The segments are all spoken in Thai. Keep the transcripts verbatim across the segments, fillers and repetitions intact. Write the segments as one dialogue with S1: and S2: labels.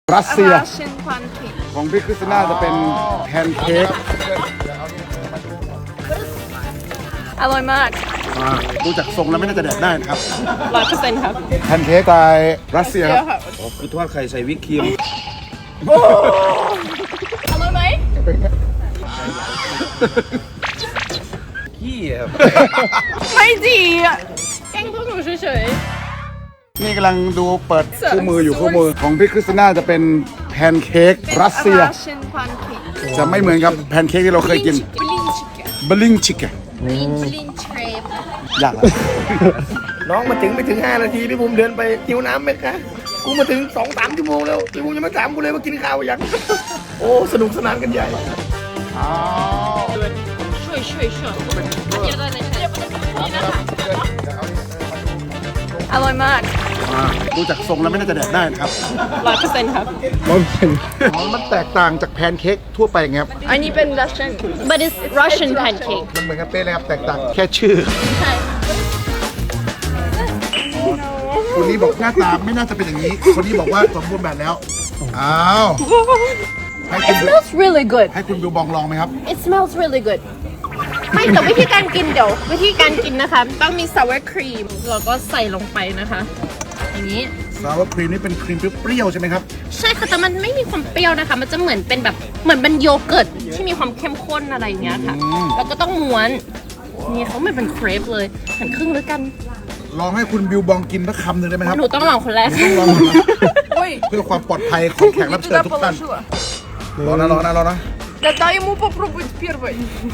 S1: รัสเซีย
S2: Russian pancake
S1: ของพี่คริสติน่าจะเป็นแพนเค้ก
S2: อร่อยมาก
S1: อ่าดูจากทรงแล้วไม่น่าจะแดกได้นะครับ
S2: ร้อยเปอร์เซ็นต์ครับ
S1: แพนเค้กสไตล์รัสเซียครับ
S3: อ๋อคือทอดไข่ใส่วิปครีม
S2: อร่อยไหม
S3: ขี้ครับ
S2: ไม่ดีอ่ะแกล้งพวกหนูเฉย
S1: นี่กำลังดูเปิดคู่มืออยู่คู่มือของพี่คริสติน่าจะเป็นแพนเค้กรัส
S2: ๆ
S1: เซีย
S2: Russian pancake
S1: จะไม่เหมือนกับแพนเค้กที่เราเคยกิน
S2: Blin chicken
S1: บลิงชิกเก
S2: Blin blin crepe
S1: ยากละ
S3: น้องมาถึงไม่ถึงห้านาทีพี่ภูมิเดินไปหิวน้ำไหมคะกูมาถึงสองสามชั่วโมงแล้วพี่ภูมิยังไม่ถามกูเลยว่ากินข้าวยัง โอ้สนุกสนานกันใหญ่
S2: ช่วยช่วยช่วยเยอะเลยอร่อยมาก
S1: อ่าดูจากทรงแล้วไม่น่าจะแดกได้นะครับ
S2: ร้อยเปอร์เซ็นต์ครับ
S1: อ๋อมันแตกต่างจากแพนเค้กทั่วไปไงครับ
S2: อันนี้เป็น Russian but it's Russian pancake
S1: มันเหมือนกันเป๊ะเลยครับแตกต่างแค่ชื่อ
S2: ใช่
S1: คนนี้บอกหน้าตาไม่น่าจะเป็นอย่างนี้ คนนี้บอกว่าสมบูรณ์แบบแล้ว อ้าว ให้คุณ
S2: It smells really good
S1: ให้คุณบิวบองลองไหมครับ
S2: It smells really good ไม่แต่วิธีการกินเดี๋ยววิธีการกินนะคะ ต้องมี sour cream แล้วก็ใส่ลงไปนะคะ อย่างนี้
S1: ซาวครีมนี่เป็นครีมเปรี้ยวๆใช่ไหมครับ
S2: ใช่ค่ะแต่มันไม่มีความเปรี้ยวนะคะ มันจะเหมือนเป็นแบบเหมือนเป็นโยเกิร์ตที่มีความเข้มข้นอะไรอย่างเงี้ยค่ะ แล้วก็ต้องม้วนนี่เขาเหมือนเป็นเครปเลยหันครึ่งด้วยกัน
S1: ลองให้คุณบิวบองกินสักคำหนึ่งได้ไหมครับ
S2: หนูต้องลองคนแรก
S1: ต้องลองก่อนนะเพื่อความปลอดภัยของแขกรับเชิญทุกท่านรอนะรอนะรอนะ
S4: Да дай ему попробовать первый.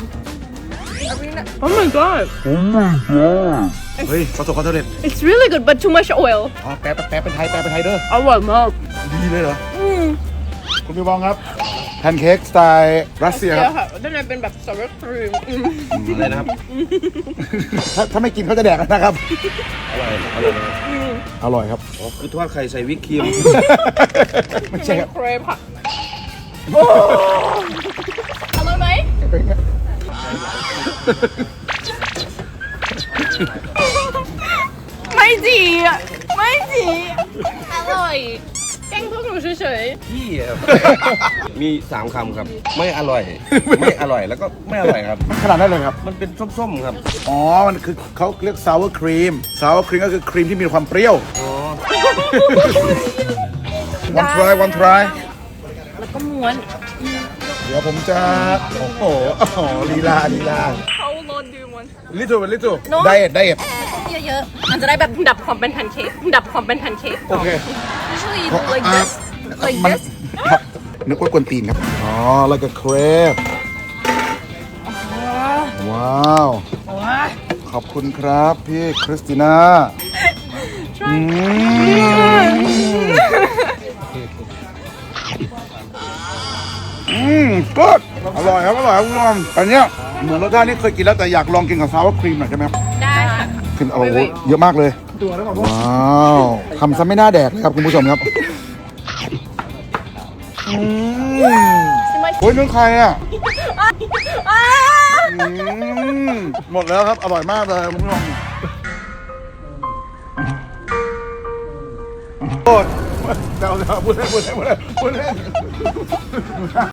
S2: Oh my god
S1: เฮ้ยประสบความสำเร็จ
S2: it's really good but too much oil
S1: อ๋อแปลแปลเป็นไทยแปลเป็นไทยเด้อ
S2: อร่อยมาก
S1: ดีเลยเหรอคุณบิวบองครับแพนเค้กสไตล์รัสเซียครับ
S2: ค่ะด้านในเป็นแบบ sour cream
S3: อะไรนะครับ
S1: ถ้าถ้าไม่กินเขาจะแดกกันนะครับ
S3: อร่อยอร่อย
S1: อร่อยครับ
S3: อ๋อคือทอดไข่ใส่วิปครีม
S1: ไม่ใช่ครับ
S2: เครปค่ะอร่อยไหมไม่ดีอ่ะไม่ดีอร่อยแกล้งพวกหนูเฉย
S3: ขี้ครับ มีสามคำครับ ไม่อร่อย ไม่อร่อยแล้วก็ไม่อร่อยครับ
S1: ขนาดนั้นเลยครับ
S3: มันเป็นส้มๆครับ
S1: อ๋อ มันคือเขาเรียก sour cream sour cream ก็คือครีมที่มีความเปรี้ยว one try one try
S2: ๆแล้วก็ม้วน
S1: เดี๋ยวผมจะ โอ้โหอ๋อลีลาลีลา
S4: How long do you want?
S1: little little
S2: No.
S1: diet diet
S2: เยอะๆมันจะได้แบบดับความเป็นแพนเค้กดับความเป็นแพนเค้ก
S1: โอเค
S2: usually
S1: เพราะ
S2: like
S1: อ่ะ
S2: this like
S1: มัน
S2: this
S1: ครับนึกว่ากวนตีนครับ อ๋อ แล้วก็เครปว้าว ขอบคุณครับพี่คริสติน่าอืมอืมก็อร่อยครับอร่อยครับคุณผู้ชมอันเนี้ยเหมือนรสชาติที่เคยกินแล้วแต่อยากลองกินกับซาวครีมหน่อยใช่ไหมครับ
S2: ได้ค่ะ
S1: ขึ้นโอ้โหเยอะมากเลยว้าวทำซะไม่น่าแดกเลยครับคุณผู้ชมครับอืมโอ้ยนึ่งใครอ่ะอืมหมดแล้วครับอร่อยมากเลยคุณผู้ชมโอ้ยเดี๋ยวเดี๋ยวพูดเล่นพูดเล่นพูดเล่นพูดเล่น